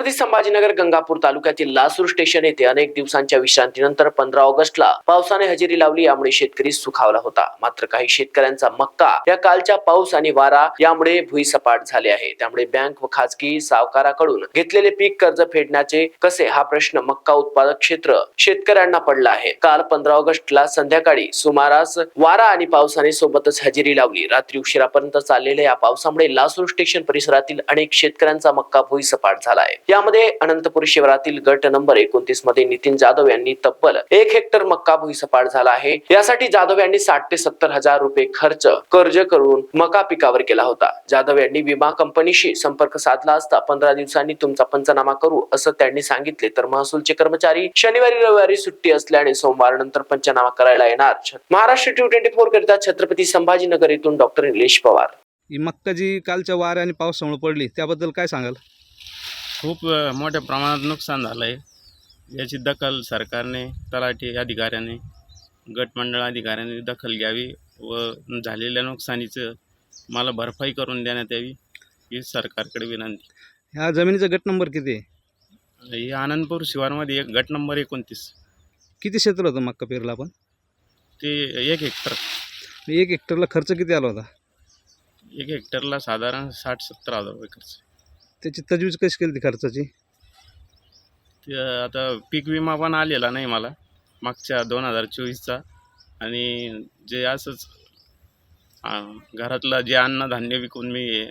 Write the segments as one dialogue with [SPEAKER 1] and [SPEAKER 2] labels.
[SPEAKER 1] छत्रपती संभाजीनगर गंगापूर तालुक्यातील लासूर स्टेशन येथे अनेक दिवसांच्या विश्रांतीनंतर 15 ऑगस्टला पावसाने हजेरी लावली। यामुळे शेतकरी सुखावला होता। मात्र काही शेतकऱ्यांचा मक्का या कालच्या पाऊस आणि वारा यामुळे भुईसपाट झाले आहे। त्यामुळे बँक व खाजगी सावकाराकडून घेतलेले पीक कर्ज फेडण्याचे कसे हा प्रश्न मक्का उत्पादक क्षेत्र शेतकऱ्यांना पडला आहे। काल 15 ऑगस्टला संध्याकाळी सुमारास वारा आणि पावसाने सोबतच हजेरी लावली। रात्री उशिरापर्यंत चाललेल्या या पावसामुळे लासूर स्टेशन परिसरातील अनेक शेतकऱ्यांचा मक्का भुईसपाट झाला आहे। यामध्ये अनंतपुर शिवारातील गट नंबर 29 मध्ये नितीन जाधव यांनी तब्बल 1 हेक्टर मक्का भुईसपाट झाला आहे। यासाठी जाधव यांनी 60 ते 70 हजार रुपये कर्ज करून मका पिकावर केला होता। जाधव यांनी विमा कंपनीशी संपर्क साधला असता 15 दिवसांनी तुमचा पंचनामा करू असं त्यांनी सांगितले। तर महसूलचे कर्मचारी शनिवारी रविवारी सुट्टी असल्याने सोमवार नंतर पंचनामा करायला येणार। महाराष्ट्र T24 करिता छत्रपती संभाजीनगर येथून डॉक्टर निलेश पवार।
[SPEAKER 2] ही मक्का जी कालच्या वाऱ्या आणि पावसामुळे पडली त्याबद्दल काय सांगाल?
[SPEAKER 3] खूप मोठ्या प्रमाणात नुकसान झालं आहे। याची दखल सरकारने, तलाठी अधिकाऱ्याने, गटमंडळ अधिकाऱ्याने दखल घ्यावी व झालेल्या नुकसानीचं मला भरपाई करून देण्यात यावी ही सरकारकडे विनंती।
[SPEAKER 2] ह्या जमिनीचा गट नंबर किती आहे?
[SPEAKER 3] ही आनंदपूर शिवारमध्ये गट नंबर 29।
[SPEAKER 2] किती क्षेत्र होतं मक्का पेरला आपण?
[SPEAKER 3] ते 1 हेक्टर।
[SPEAKER 2] 1 हेक्टरला खर्च किती आला होता?
[SPEAKER 3] 1 हेक्टरला साधारण 60-70 हजार रुपये खर्च।
[SPEAKER 2] त्याची तजवीज कशी केली ती खर्चाची?
[SPEAKER 3] ते आता पीक विमा पण आलेला नाही मला मागच्या 2024चा, आणि जे असंच घरातलं जे अन्नधान्य विकून मी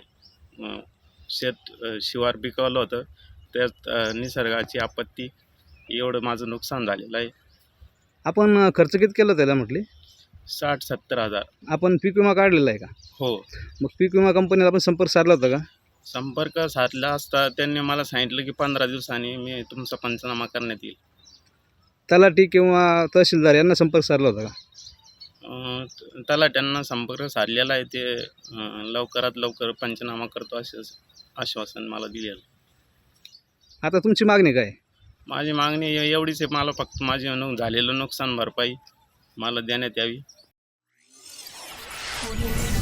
[SPEAKER 3] शिवार पिकवलं होतं त्यात निसर्गाची आपत्ती एवढं माझं नुकसान झालेलं आहे।
[SPEAKER 2] आपण खर्च किती केला त्याला म्हटले?
[SPEAKER 3] 60-70 हजार।
[SPEAKER 2] आपण पीक विमा काढलेला आहे का?
[SPEAKER 3] हो।
[SPEAKER 2] मग पीक विमा कंपनीला आपण संपर्क साधला होता का?
[SPEAKER 3] संपर्क साधला असता त्यांनी मला सांगितलं की 15 दिवसांनी मी तुमचा पंचनामा करण्यात येईल।
[SPEAKER 2] तलाठी किंवा तहसीलदार यांना संपर्क साधला होता का?
[SPEAKER 3] तलाट्यांना संपर्क साधलेला आहे। ते लवकरात लवकर पंचनामा करतो असे आश्वासन मला दिलेलं।
[SPEAKER 2] आता तुमची मागणी काय?
[SPEAKER 3] माझी मागणी एवढीच आहे, मला फक्त माझे झालेलं नुकसान भरपाई मला देण्यात यावी।